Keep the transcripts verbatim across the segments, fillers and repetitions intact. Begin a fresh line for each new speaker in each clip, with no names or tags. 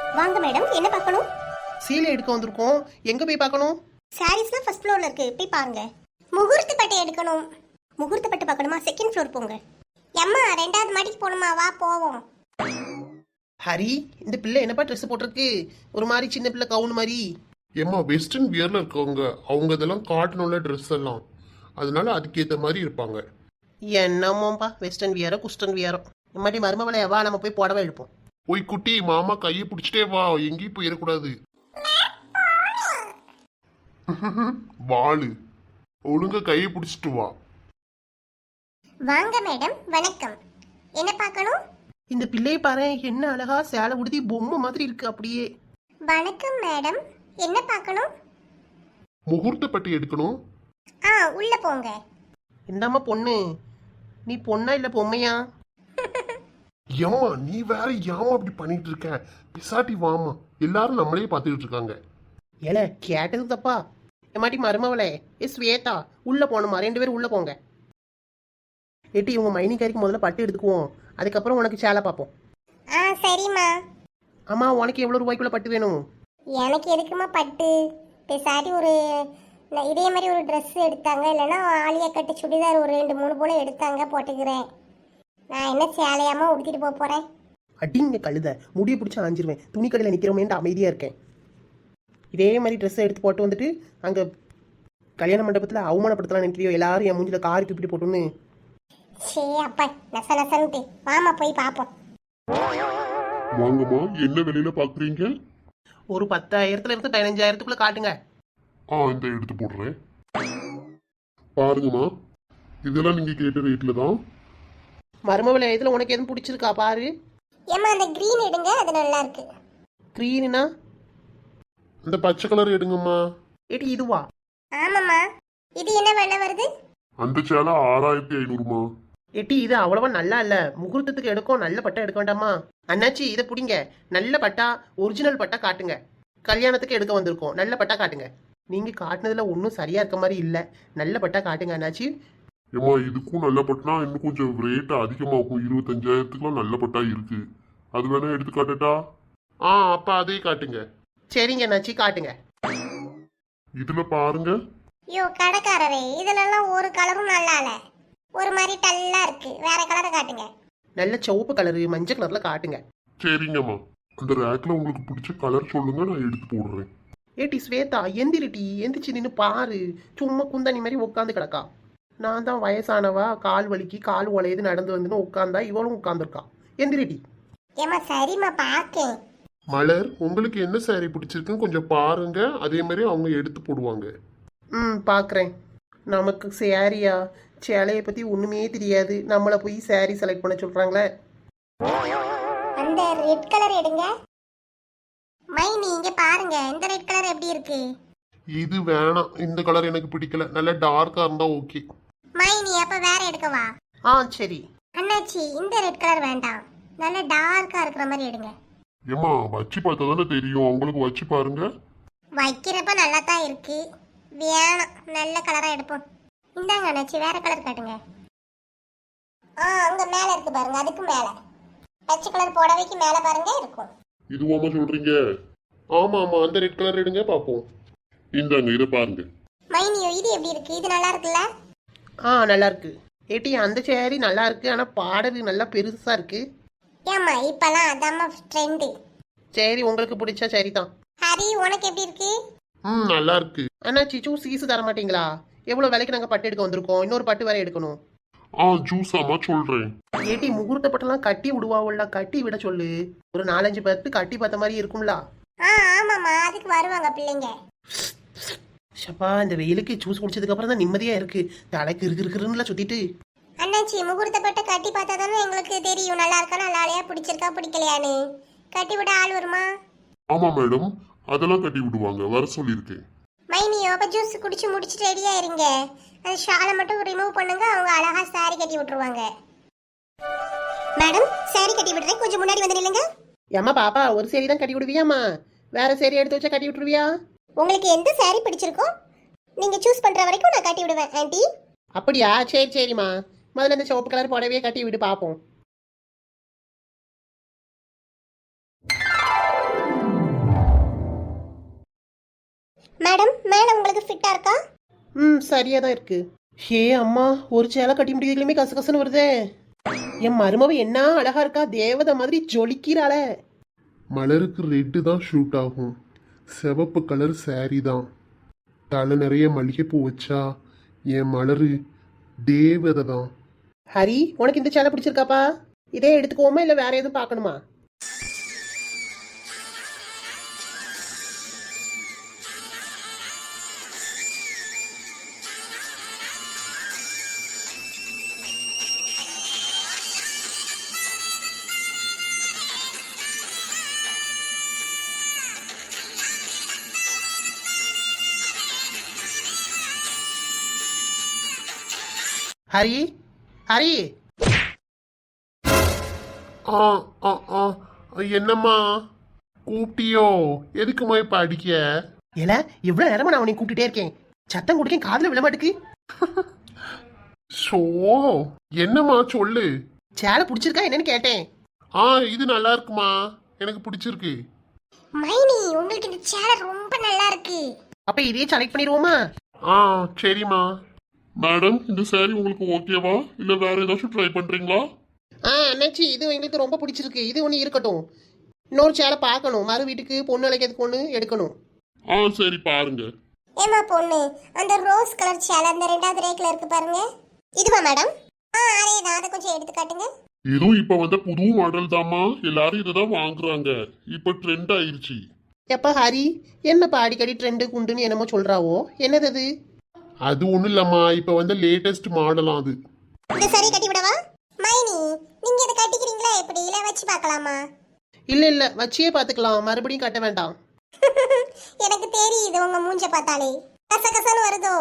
வாங்க மேடம், என்ன பார்க்கணும்?
சீலை எடுக்க வந்திருக்கோம். எங்க போய் பார்க்கணும்?
சாரீஸ்லாம் ஃபர்ஸ்ட் ஃப்ளோர்ல இருக்கு, போய் பாருங்க. முகூர்த்த பட்டு எடுக்கணும். முகூர்த்த பட்டு பார்க்கணுமா? செகண்ட் ஃப்ளோர் போங்க. அம்மா ரெண்டாவது மாடிக்கு போகணுமா? வா போவோம்.
ஹரி, இந்த பிள்ளை என்னப்பா ட்ரெஸ் போட்டிருக்கு? ஒரு மாதிரி சின்ன பிள்ளை கவுன் மாதிரி.
ஏம்மா வெஸ்டர்ன் வியர்ல இருக்கவங்க, அவங்க இதெல்லாம் காட்டணும்ல ட்ரெஸ் எல்லாம், அதனால அதுக்கேற்ற மாதிரி இருப்பாங்க.
என்னமோப்பா, வெஸ்டர்ன் வியரோ குஸ்டன் வியரோ. இந்த மாதிரி மருமவளை வா, நம்ம போய் புடவை எடுப்போம்.
போய் குட்டி மாமா கையை பிடிச்சிட்டே வா, எங்கேயும் போயிடக்கூடாது. வாளு ஒழுங்க கையை பிடிச்சிட்டு வா.
வாங்க மேடம், வணக்கம். என்ன பார்க்கணும்?
இந்த பிள்ளையை பாரு, என்ன அழகா சேலை உடுத்தி பொம்மை மாதிரி இருக்கு அப்படியே.
வணக்கம் மேடம், என்ன பார்க்கணும்?
முகூர்த்த பட்டி எடுக்கணும்.
ஆ, உள்ள போங்க.
இந்தாம்மா பொண்ணு, நீ பொண்ணா இல்ல பொம்மையா?
ஏம்மா நீ வேற ஏமா அப்படி பண்ணிட்டு இருக்க? பிசாட்டி வாமா, எல்லாரும் நம்மளே பார்த்துக்கிட்டு இருக்காங்க.
ஏல கேட்டது தப்பா? எம்மாட்டி மருமவளே, ஏ ஸ்வேதா, உள்ள போகணுமா? ரெண்டு பேரும் உள்ள போங்க. ஏட்டி, உங்க மைனிக்காரிக்கு முதல்ல பட்டு எடுத்துக்குவோம், அதுக்கப்புறம் உனக்கு சேலை பார்ப்போம்.
ஆ சரிம்மா.
அம்மா, உனக்கு எவ்வளோ ரூபாய்க்குள்ள பட்டு வேணும்?
எனக்கு எதுக்குமா பட்டு? பேசாட்டி ஒரு ந- இதே மாதிரி ஒரு ட்ரெஸ் எடுத்தாங்க, இல்லைன்னா ஆலியா கட்டு சுடிதார் ஒரு ரெண்டு மூணு போல எடுத்தாங்க, போட்டுக்கிறேன். நான் என்ன சேலையாம உடுத்திட்டு போக போறேன்?
அடிங்க கழுத, முடிய பிடிச்சி ஆஞ்சிருவேன். துணி கடையில் நிற்கிறோமேன்ட்டு அமைதியாக இருக்கேன். இதே மாதிரி ட்ரெஸ்ஸை எடுத்து போட்டு வந்துட்டு அங்கே கல்யாண மண்டபத்தில் அவமானப்படுத்தலாம் நினைக்கிறியோ? எல்லாரும் என் மூஞ்சில் காரி துப்பிட்டு போட்டுன்னு.
சே அப்பா, நச நசன்ட்டு வாமா போய் பார்ப்போம்.
வாங்கம்மா, என்ன விலையில பாக்குறீங்க?
ஒரு பத்தாயிரத்துல இருந்து பதினஞ்சாயிரத்துக்குள்ள காட்டுங்க.
ஆ, இந்த எடுத்து போடுறேன். பாருங்கம்மா, இதெல்லாம் நீங்க கேட்ட ரேட்ல தான்.
மருமவளை, இதில் உனக்கு எதுவும் பிடிச்சிருக்கா பாரு.
ஏம்மா அந்த க்ரீன் எடுங்க, அது நல்லா இருக்கு.
க்ரீனா?
இந்த பச்சை கலர் எடுங்கம்மா.
ஏடி இதுவா?
ஆமாம்மா. இது என்ன விலை வருது?
அந்த சேலை ஆறாயிரத்தி ஐநூறுமா.
ஏட்டி, இது அவ்வளவா நல்லா இல்ல. முகூர்த்தத்துக்கு எடுக்கும், நல்ல பட்டா எடுக்க வேண்டாமா? அண்ணாச்சி, இதை பிடிங்க. நல்ல பட்டா, ஒரிஜினல் பட்டா காட்டுங்க. கல்யாணத்துக்கு எடுக்க வந்திருக்கோம், நல்ல பட்டா காட்டுங்க. நீங்க காட்டுனதுல ஒன்றும் சரியா இருக்க மாதிரி இல்ல. நல்ல பட்டா காட்டுங்க அண்ணாச்சி.
ஏம்மா இதுக்கும் நல்ல பட்டுனா இன்னும் கொஞ்சம் ரேட் அதிகமாகும். இருபத்தஞ்சாயிரத்துக்குலாம் நல்ல பட்டா இருக்கு, அது வேணா எடுத்து காட்டட்டா? ஆ, அப்ப அதே காட்டுங்க.
சரிங்க அண்ணாச்சி, காட்டுங்க.
இதுல பாருங்க.
ஐயோ கடைக்காரரே, இதுலலாம் ஒரு கலரும் நல்லா இல்ல, ஒரு மாதிரி டல்லா இருக்கு. வேற கலரை காட்டுங்க.
நல்ல சிவப்பு கலரு, மஞ்சள் கலர்ல காட்டுங்க.
சரிங்கம்மா, அந்த ரேக்ல உங்களுக்கு பிடிச்ச கலர் சொல்லுங்க, நான் எடுத்து போடுறேன்.
ஏட்டி ஸ்வேதா, எந்திரிட்டி, எந்திரிச்சு நின்று பாரு. சும்மா குந்தாணி மாதிரி உட்காந்து கிடக்கா. நான் தான் வயசானவா, கால் வலிக்கு கால் உலையுது நடந்து வந்துன்னு உட்காந்தா, இவளும் உட்காந்துருக்கா. எந்திரிட்டி.
ஏம்மா சரிம்மா, பார்க்கேன்.
மலர், உங்களுக்கு என்ன சாரி பிடிச்சிருக்குன்னு கொஞ்சம் பாருங்க, அதே மாதிரி அவங்க எடுத்து போடுவாங்க.
ம், பார்க்குறேன். நமக்கு சேரியா, சேலையை பற்றி ஒன்றுமே தெரியாது, நம்மளை போய் சேரீ செலக்ட் பண்ண சொல்கிறாங்களே.
அந்த ரெட் கலர் எடுங்க. மைனி இங்க பாருங்க, இந்த ரெட் கலர் எப்படி இருக்கு?
இது வேணாம், இந்த கலர் எனக்கு பிடிக்கல, நல்ல டார்க்கா இருந்தா ஓகே.
மைனி அப்ப வேற எடுக்கவா?
ஆ சரி.
அண்ணாச்சி, இந்த ரெட் கலர் வேண்டாம், நல்ல டார்க்கா இருக்கிற மாதிரி எடுங்க.
ஏம்மா வச்சு பார்த்தா தானே தெரியும், அவங்களுக்கு வச்சு பாருங்க.
வைக்கிறப்ப நல்லா தான் இருக்கு, வேணாம், நல்ல கலரா எடுப்போம். இந்தாங்க அண்ணாச்சி, வேற கலர் காட்டுங்க. ஆ, அங்க மேல இருக்கு பாருங்க, அதுக்கு மேல பச்சை கலர் புடவைக்கு மேல பாருங்க இருக்கும்.
இதுவாமா சொல்றீங்க? ஆமா ஆமா, அந்த ரெட் கலர் எடுங்க பாப்போம். இந்தாங்க, இதை பாருங்க.
மைனியோ, இது எப்படி இருக்கு? இது நல்லா இருக்குல்ல?
ஆ நல்லா இருக்கு. ஏட்டி, அந்த சேரீ நல்லா இருக்கு, ஆனால் பாடல் நல்லா பெருசாக இருக்கு.
ஏம்மா இப்பெல்லாம் அதாம்மா ட்ரெண்டு.
சரி, உங்களுக்கு பிடிச்சா சரி தான்.
ஹரி, உனக்கு எப்படி இருக்கு?
ம், நல்லா இருக்கு.
அண்ணா சிச்சு, சீசு தர மாட்டீங்களா? எவ்வளோ விலைக்கு நாங்கள் பட்டு எடுக்க வந்திருக்கோம், இன்னொரு பட்டு வேற எடுக்கணும்.
ஆ, ஜூஸ் ஆமா சொல்றேன்.
ஏட்டி, முகூர்த்த பட்டெல்லாம் கட்டி விடுவாவுல்ல, கட்டி விட சொல்லு. ஒரு நாலஞ்சு பத்து கட்டி பார்த்த மாதிரி இருக்கும்ல.
ஆ ஆமாம்மா, அதுக்கு வருவாங்க பிள்ளைங்க.
ஷப்பா, இந்த வெயிலுக்கு ஜூஸ் குடிச்சதுக்கு அப்புறம் தான் நிம்மதியா இருக்கு. தலைக்கு இருக்கு இருக்குன்னு சுத்திட்டு.
அண்ணாச்சி, முகூர்த்தப்பட்ட கட்டி பார்த்தா தானே எங்களுக்கு தெரியும் நல்லா இருக்கா நல்லா இல்லையா, பிடிச்சிருக்கா பிடிக்கலையான்னு. கட்டி விட ஆள் வருமா?
ஆமா மேடம், அதெல்லாம் கட்டி விடுவாங்க, வர சொல்லியிருக்கேன்.
மைனியோ, அப்ப ஜூஸ் குடிச்சு முடிச்சுட்டு ரெடியா இருங்க. அந்த ஷாலை மட்டும் ரிமூவ் பண்ணுங்க, அவங்க அழகா சாரி கட்டி விட்டுருவாங்க. மேடம், சாரி கட்டி விடுறேன், கொஞ்சம் முன்னாடி வந்து நில்லுங்க.
ஏம்மா பாப்பா, ஒரு சேரி தான் கட்டி விடுவியாம்மா? வேற சேரி எடுத்து வச்சா கட்டி விட்டுருவியா?
உங்களுக்கு எந்த சாரி பிடிச்சிருக்கோ நீங்க சூஸ் பண்ற வரைக்கும் நான் கட்டி விடுவேன் ஆண்டி.
அப்படியா? சரி சரிம்மா, முதல்ல இந்த சிவப்பு கலர் புடவையே கட்டி விடு பார்ப்போம்.
மேடம் மேடம் உங்களுக்கு ஃபிட்டா இருக்கா?
ம் சரியா தான் இருக்கு. ஹே அம்மா, ஒரு சேலை கட்டி முடியுதுலையுமே கச கசன்னு வருதே. என் மருமவ என்ன அழகா இருக்கா, தேவதை மாதிரி ஜொலிக்கிறாள.
மலருக்கு ரெட்டு தான் ஷூட் ஆகும், சிவப்பு கலர் saree தான். தலை நிறைய மல்லிகைப்பூ வச்சா என் மலரு தேவதை தான்.
ஹரி, உனக்கு இந்த சேலை பிடிச்சிருக்காப்பா? இதே எடுத்துக்கோமா இல்லை வேற எதுவும் பார்க்கணுமா? ஹரி, ஹரி.
ஆ ஆ ஆ என்னம்மா கூப்பிட்டியோ? எதுக்குமா இப்ப அடிக்க?
ஏல, எவ்வளவு நேரமா நான் உன்னை கூப்பிட்டுட்டே இருக்கேன், சத்தம் குடிக்க காதுல விழமாட்டுக்கு.
ஷோ, என்னம்மா சொல்லு.
சேலை பிடிச்சிருக்கா என்னன்னு கேட்டேன்.
ஆ இது நல்லா இருக்குமா, எனக்கு பிடிச்சிருக்கு.
மைனி உங்களுக்கு இந்த சேலை ரொம்ப நல்லா இருக்கு.
அப்ப இதையே செலக்ட் பண்ணிடுவோமா?
ஆ சரிம்மா. மேடம், இந்த saree உங்களுக்கு ஓகேவா இல்ல வேற ஏதாச்சும் ட்ரை பண்றீங்களா?
ஆ அண்ணாச்சி, இது எங்களுக்கு ரொம்ப பிடிச்சிருக்கு, இது ஒன்று இருக்கட்டும். இன்னொரு சேலை பார்க்கணும், மறு வீட்டுக்கு பொண்ணு அழைக்கிறதுக்கு ஒன்று எடுக்கணும்.
ஆ சரி பாருங்க.
ஏமா பொண்ணு, அந்த ரோஸ் கலர் சேலை அந்த ரெண்டாவது ரேக்ல இருக்கு பாருங்க. இதுவா மேடம்? ஆ அதேதான், அதை கொஞ்சம் எடுத்து காட்டுங்க.
இதுவும் இப்ப வந்த புது மாடல் தாம்மா, எல்லாரும் இதை வாங்குறாங்க, இப்ப ட்ரெண்ட் ஆயிருச்சு.
எப்பா ஹரி, என்னப்பா அடிக்கடி ட்ரெண்டு குண்டுன்னு என்னமோ சொல்றாவோ, என்னது அது?
அது ஒண்ணும் இல்லம்மா, இப்ப வந்த லேட்டஸ்ட் மாடலாம் அது.
இந்த சரி கட்டி விடவா? மைனி நீங்க இதை கட்டிக்கிறீங்களா எப்படி, இல்ல வச்சு பார்க்கலாமா?
இல்ல இல்ல, வச்சியே பாத்துக்கலாம், மறுபடியும் கட்ட வேண்டாம்.
எனக்கு தெரியுது உங்க மூஞ்ச பார்த்தாலே கசகசன்னு வருதோ.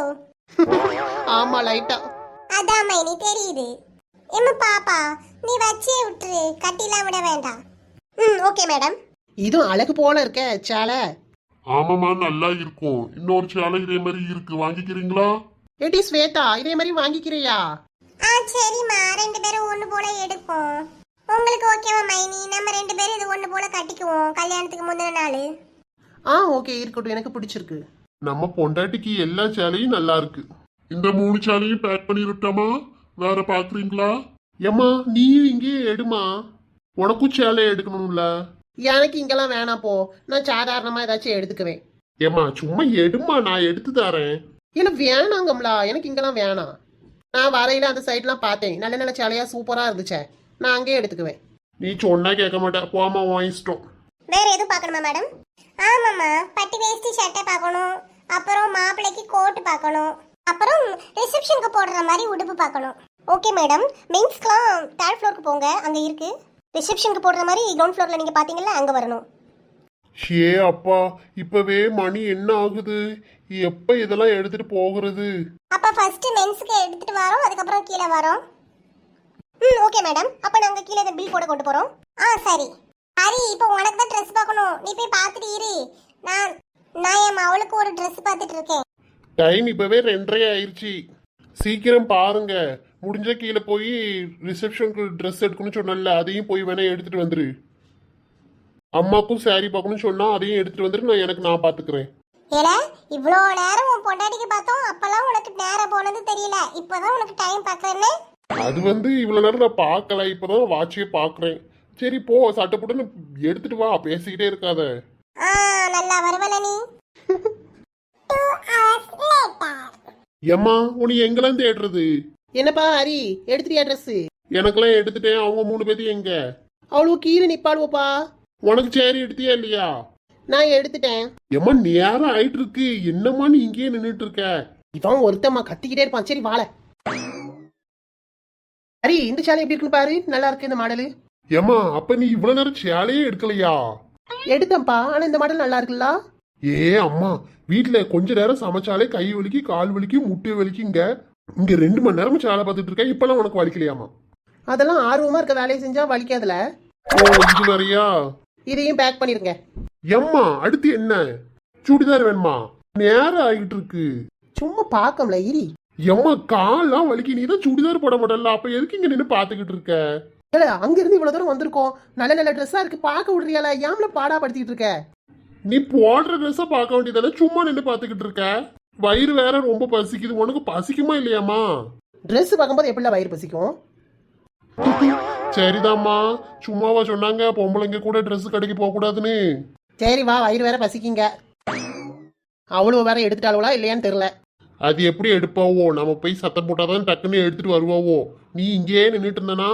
ஆமா, லைட்டா.
அதான் மைனி தெரியுது. எம்ம பாப்பா, நீ வச்சே விட்டுரு, கட்டிலாம் விட வேண்டாம். ம் ஓகே மேடம்.
இதுவும் அழகு போல இருக்க சேலை.
ஆமாம்மா, நல்லா இருக்கும். இன்னொரு சேலை இதே மாதிரி இருக்கு, வாங்கிக்கிறீங்களா?
ஏடி ஸ்வேதா, இதே மாதிரி வாங்கிக்கிறியா?
ஆ சரிம்மா, ரெண்டு பேரும் ஒண்ணு போல எடுப்போம். உங்களுக்கு ஓகேவா மைனி? நம்ம ரெண்டு பேரும் இது ஒண்ணு போல கட்டிக்குவோம் கல்யாணத்துக்கு முந்தின நாள்.
ஆ ஓகே, இருக்கட்டும், எனக்கு பிடிச்சிருக்கு.
நம்ம பொண்டாட்டிக்கு எல்லா சேலையும் நல்லா இருக்கு. இந்த மூணு சேலையும் பேக் பண்ணிருட்டாமா, வேற பாக்குறீங்களா? ஏம்மா நீ இங்கேயே எடுமா, உனக்கும் சேலை எடுக்கணும்ல.
எனக்கு இங்கெல்லாம் வேணாம் போ, நான் சாதாரணமா ஏதாச்சும் எடுத்துக்குவேன்.
ஏம்மா சும்மா எடுமா, நான் எடுத்து தரேன்.
இல்ல வேணாங்கம்லா, எனக்கு இங்கெல்லாம் வேணாம். நான் வரையில அந்த சைட்லாம் பார்த்தேன், நல்ல நல்ல சேலையா சூப்பரா இருந்துச்சே, நான் அங்கேயே எடுத்துக்குவேன்.
நீ சொன்னா கேட்க மாட்டேன், போமா உன் இஷ்டம்.
வேற எதுவும் பார்க்கணுமா மேடம்? ஆமாம்மா, பட்டி வேஷ்டி சட்டை பார்க்கணும், அப்புறம் மாப்பிள்ளைக்கு கோட் பார்க்கணும், அப்புறம் ரிசப்ஷனுக்கு போடுற மாதிரி உடுப்பு பார்க்கணும். ஓகே மேடம், மென்ஸ்க்குலாம் தேர்ட் ஃப்ளோருக்கு போங்க, அங்கே இருக்கு. ரிசப்ஷனுக்கு போடுற மாதிரி கிரவுண்ட் ஃப்ளோரில் நீங்கள் பார்த்தீங்களா, அங்கே வரணும்.
ஷே அப்பா, இப்பவே மணி என்ன ஆகுது, எப்ப இதெல்லாம் எடுத்துட்டு போகிறது?
அப்போ ஃபர்ஸ்ட் மென்ஸுக்கு எடுத்துட்டு வரோம், அதுக்கப்புறம் கீழே வரோம். ம் ஓகே மேடம், அப்போ நாங்கள் கீழே இந்த பில் போட கொண்டு போகிறோம். ஆ சரி. ஹரி, இப்போ உனக்கு தான் ட்ரெஸ் பார்க்கணும், நீ போய் பார்த்துட்டு இரு. நான் நான் என் அவளுக்கு ஒரு ட்ரெஸ் பார்த்துட்டு இருக்கேன்.
டைம் இப்பவே ரெண்டரை ஆயிடுச்சு, சீக்கிரம் பாருங்க. முடிஞ்ச கீழே போய் ரிசப்ஷனுக்கு ட்ரெஸ் எடுக்கணும்னு சொன்னல, அதையும் போய் வேணா எடுத்துட்டு வந்துரு. அம்மாக்கும் saree பார்க்கணும்னு சொன்னா அதையும் எடுத்துட்டு வந்துரு, நான் எனக்கு நான் பாத்துக்கிறேன்.
ஏல, இவ்வளோ நேரம் உன் பொண்டாட்டிக்கு பார்த்தோம், அப்பெல்லாம் உனக்கு நேரம் போனது தெரியல, இப்போதான் உனக்கு டைம் பார்க்கறேன்னு.
அது வந்து இவ்வளவு நேரம் நான் பார்க்கல, இப்பதான் வாட்சியே பாக்குறேன். சரி போ, சட்டை போட்டு எடுத்துட்டு வா, பேசிக்கிட்டே இருக்காத.
ஆ நல்லா வருவல நீ.
ஏம்மா உன்னை எங்கெல்லாம் தேடுறது?
என்னப்பா ஹரி, எடுத்துட்டியா ட்ரெஸ்?
எனக்கெல்லாம் எடுத்துட்டேன், அவங்க மூணு பேத்தையும் எங்க?
அவ்வளவு கீழே நிப்பாளுவோப்பா.
உனக்கு சேரி எடுத்தியா இல்லையா?
நான் எடுத்துட்டேன்.
ஏம்மா நேரம் ஆயிட்டு இருக்கு, என்னம்மா நீ இங்கேயே நின்றுட்டு இருக்க?
இவன் ஒருத்தம்மா கத்திக்கிட்டே இருப்பான். சரி வாழ. ஹரி, இந்த சேலை எப்படி இருக்குன்னு பாரு, நல்லா இருக்கு இந்த மாடலு.
ஏம்மா அப்ப நீ இவ்வளவு நேரம் சேலையே எடுக்கலையா?
எடுத்தேன்ப்பா, ஆனா இந்த மாடல் நல்லா இருக்குல்ல.
ஏ அம்மா, வீட்டுல கொஞ்ச நேரம் சமைச்சாலே கை வலிக்கு, கால் வலிக்கு, முட்டை வலிக்குங்க. இங்க ரெண்டு மணி நேரம் சேலை பார்த்துட்டு இருக்க, இப்பெல்லாம் உனக்கு வலிக்கலையாமா?
அதெல்லாம் ஆர்வமா இருக்க வேலையை செஞ்சா வலிக்காதுல.
ஓ இது வேறையா?
இதையும் பேக் பண்ணிருங்க.
எம்மா அடுத்து என்ன, சுடிதார் வேணுமா? நேரம் ஆகிட்டு இருக்கு.
சும்மா பாக்கம்ல இரி.
எம்மா கால்லாம் வலிக்கு, நீ தான் சுடிதார் போட மாட்டல, அப்ப எதுக்கு இங்க நின்று பாத்துக்கிட்டு இருக்க?
அங்க இருந்து இவ்வளவு தூரம் வந்திருக்கோம், நல்ல நல்ல ட்ரெஸ்ஸா இருக்கு, பாக்க விடுறியால, ஏம்ல பாடா படுத்திட்டு இருக்க?
நீ போடுற ட்ரெஸ்ஸை பார்க்க வேண்டியதானே சும்மா நின்று பார்த்துக்கிட்டு இருக்க. வயிறு வேற ரொம்ப பசிக்குது. உனக்கு பசிக்குமா இல்லையாம்மா?
ட்ரெஸ் பார்க்கும்போது எப்படில வயிறு பசிக்கும்?
சரிதாம்மா, சும்மாவா சொன்னாங்க பொம்பளைங்க கூட ட்ரெஸ் கடைக்கு போக கூடாதுன்னு?
சரி வா, வயிறு வேற பசிக்குங்க. அவ்வளவு வேற எடுத்துட்டாளுவா இல்லையான்னு தெரியல.
அது எப்படி எடுப்பாவோ? நம்ம போய் சத்தம் போட்டாதான் டக்குன்னு எடுத்துட்டு வருவாவோ. நீ இங்கேயே நின்றுட்டு இருந்தனா?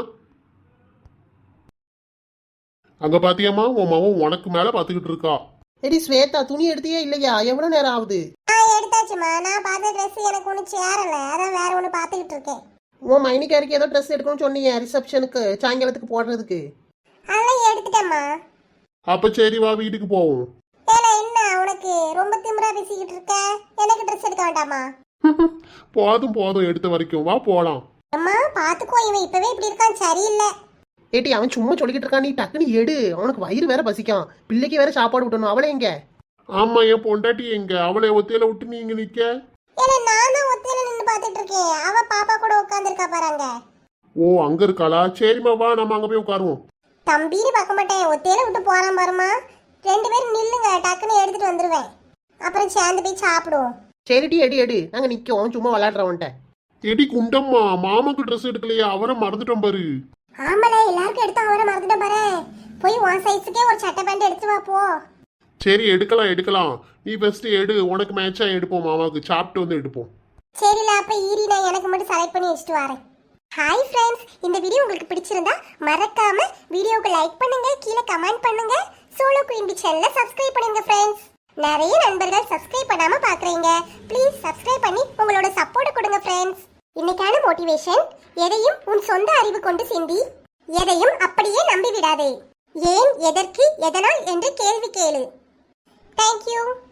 அங்க பாத்தியம்மா, உன் மகன் உனக்கு மேல பாத்துக்கிட்டு இருக்கா.
எடி ஸ்வேதா, துணி எடுத்தியே இல்லையா? எவ்வளவு நேரம் ஆகுது?
ஆ எடுத்தாச்சுமா. நான் பார்த்த ட்ரெஸ் எனக்கு ஒன்றும் சேரல, அதான் வேற ஒன்று பார்த்துக்கிட்டு இருக்கேன்.
உன் மைனிக்காருக்கு ஏதோ ட்ரெஸ் எடுக்கணும்னு சொன்னீங்க ரிசப்ஷனுக்கு, சாயங்காலத்துக்கு போடுறதுக்கு.
அதெல்லாம் எடுத்துட்டேம்மா.
அப்ப சரி வா, வீட்டுக்கு போவோம்.
ஏல என்ன உனக்கு ரொம்ப திமிரா பேசிக்கிட்டு இருக்க? எனக்கு ட்ரெஸ் எடுக்க வேண்டாமா?
போதும் போதும், எடுத்த வரைக்கும் வா போலாம்.
அம்மா பாத்துக்கோ, இவன் இப்பவே இப்படி இருக்கான், சரியில்லை.
ஏட்டி அவன் சும்மா சொல்லிக்கிட்டு இருக்கான், நீ டக்குன்னு எடு. அவனுக்கு வயிறு வேற பசிக்கான், பிள்ளைக்கு வேற சாப்பாடு விட்டணும். அவளை எங்க?
ஆமா, என் பொண்டாட்டி எங்க? அவளை ஒத்தையில விட்டு நீங்க நிக்க?
ஏல நான் தான் ஒத்தையில நின்று பார்த்துட்டு இருக்கேன், அவ பாப்பா கூட உட்காந்துருக்கா பாருங்க.
ஓ அங்க இருக்காளா? சரிம்மா வா, நம்ம அங்க போய் உட்காருவோம்.
தம்பின்னு பார்க்க மாட்டேன், ஒத்தையில விட்டு போறான் பாருமா. ரெண்டு பேரும் நில்லுங்க, டக்குன்னு எடுத்துட்டு வந்துருவேன், அப்புறம் சேர்ந்து போய் சாப்பிடுவோம்.
சரிட்டி எடு எடு, நாங்க நிக்கோம் சும்மா விளையாடுறவன்ட்ட.
எடி குண்டம்மா, மாமாக்கு ட்ரெஸ் எடுக்கலையா? அவரை மறந்துட்டோம் பாரு.
ஆமால, எல்லாருக்கும் எடுத்து அவரை மறந்துட்ட பாரு. போய் உன் சைஸுக்கே ஒரு சட்டை பேண்ட் எடுத்து வா போ.
சரி எடுக்கலாம் எடுக்கலாம். நீ ஃபர்ஸ்ட் எடு, உனக்கு மேட்சா எடுப்போம். மாமாவுக்கு சாப்பிட்டு வந்து எடுப்போம்.
சரில, அப்ப ஈரி நான் எனக்கு மட்டும் செலக்ட் பண்ணி வச்சுட்டு வரேன். ஹாய் ஃப்ரெண்ட்ஸ், இந்த வீடியோ உங்களுக்கு பிடிச்சிருந்தா மறக்காம வீடியோக்கு லைக் பண்ணுங்க, கீழே கமெண்ட் பண்ணுங்க, சோலோ குயின் பி சேனலை சப்ஸ்கிரைப் பண்ணுங்க ஃப்ரெண்ட்ஸ். நிறைய நண்பர்கள் சப்ஸ்கிரைப் பண்ணாம பாக்குறீங்க, ப்ளீஸ் சப்ஸ்கிரைப் பண்ணி உங்களோட சப்போர்ட் கொடுங்க ஃப்ரெண்ட்ஸ். இன்னைக்கான மோட்டிவேஷன்: எதையும் உன் சொந்த அறிவு கொண்டு சிந்தி, எதையும் அப்படியே நம்பி விடாதே. ஏன், எதற்கு, எதனால் என்று கேள்வி கேளு. தேங்க்யூ.